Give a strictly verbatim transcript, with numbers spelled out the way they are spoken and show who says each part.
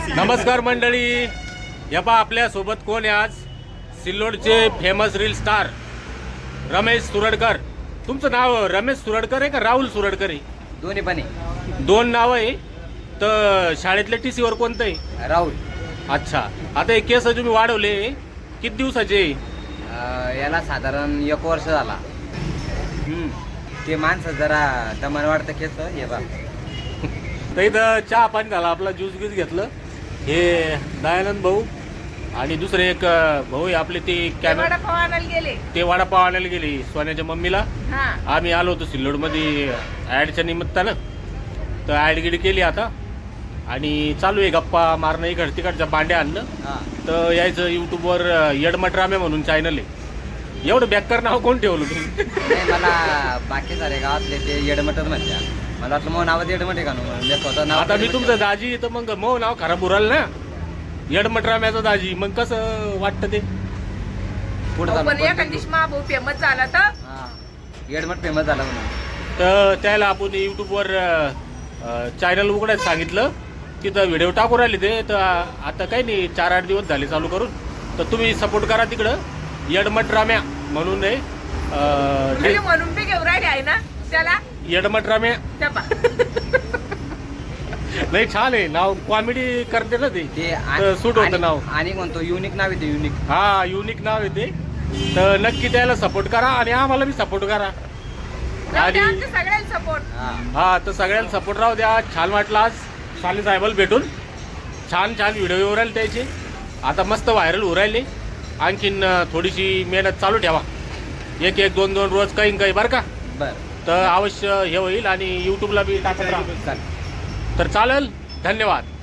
Speaker 1: नमस्कार मंडळी, या पा आपल्या सोबत कोण आहे आज? सिल्लोडचे famous reel star Ramesh Suradkar. तुमचं नाव रमेश सुरडकर आहे का राहुल सुरडकर आहे?
Speaker 2: दोन्ही पण आहे.
Speaker 1: दोन नाव आहे. तर शाळेतल्या टी सीवर कोणतं आहे?
Speaker 2: राहुल.
Speaker 1: अच्छा, आता हे केस तुम्ही वाढवले किती दिवसाचे?
Speaker 2: अं, याला साधारण एक वर्ष झाला.
Speaker 1: हम्म.
Speaker 2: ते माणसं जरा दमन वाढतं केस हे बा.
Speaker 1: तर इथं चहा पाणी झाला, आपला ज्यूस गीस घेतलं. हे दयानंद भाऊ आणि दुसरे एक भाऊ आहे आपले, ते कॅमेरा
Speaker 3: वडापाव आणायला गेले.
Speaker 1: ते वडापाव आणायला गेले सोन्याच्या मम्मीला.
Speaker 3: हा
Speaker 1: आम्ही आलो होतो सिल्लोडमध्ये ॲडच्या निमित्तानं, तर ॲड गिड केली आता आणि चालू आहे गप्पा मारणं. इकड तिकडच्या बांड्या आणलं
Speaker 2: हा.
Speaker 1: तर यायचं यूट्यूबवर यडमटरामे म्हणून चॅनल आहे. एवढं बॅकर नाव कोण ठेवलं तुम्ही?
Speaker 2: नाही, मला बाकी सारे गावातले ते येडमटच म्हणते. मला वाटलं मग नावात येडमट आहे का म्हणून मी स्वतः नाव
Speaker 1: आता मी तुमचं दाजी तर मग मग नाव खराब उराल ना, यडमटराम्याचं दाजी. मग कसं वाटतं ते?
Speaker 2: पुढे
Speaker 3: अहो, पण एखाद दिवशी महाभाऊ फेमस झाला तर
Speaker 2: हा येडमट फेमस झाला म्हणून.
Speaker 1: तर त्याला आपण यूट्यूबवर चॅनल उघडायचं सांगितलं, तिथं व्हिडिओ टाकून राहिले ते. तर आता काही नाही, चार आठ दिवस झाले चालू करून. तर तुम्ही सपोर्ट करा तिकडं, यडमटराम्या म्हणून आहे.
Speaker 3: म्हणजे
Speaker 1: अं,
Speaker 3: म्हणून बी घेऊन राहिले आहे ना त्याला.
Speaker 1: यडमटराम्या
Speaker 3: त्या पा-
Speaker 1: नाही, छान आहे नाव, कॉमेडी करते ना ते,
Speaker 2: ते
Speaker 1: तर सूट होतं नाव.
Speaker 2: आणि म्हणतो युनिक नाव आहे ते, युनिक.
Speaker 1: हा, युनिक नाव आहे ते. तर नक्की त्याला सपोर्ट करा आणि आम्हाला बी सपोर्ट करा.
Speaker 3: जाऊ
Speaker 1: आणि
Speaker 3: द्या आमच्या सगळ्यांना सपोर्ट.
Speaker 2: हा.
Speaker 1: हा, तर सगळ्यांना सपोर्ट राहू द्या. छान वाटलं आज शाली साहेबाला भेटून. छान छान व्हिडिओ येऊ राहिले त्याचे, आता मस्त व्हायरल होऊ राहिले. आणखीन थोडीशी मेहनत चालू ठेवा, एक एक दोन दोन रोज काही काही बरं का.
Speaker 2: बरं.
Speaker 1: तर अवश्य हे होईल आणि यूट्यूबला बी टाकत राहा.
Speaker 2: चालेल.
Speaker 1: तर चालेल, धन्यवाद.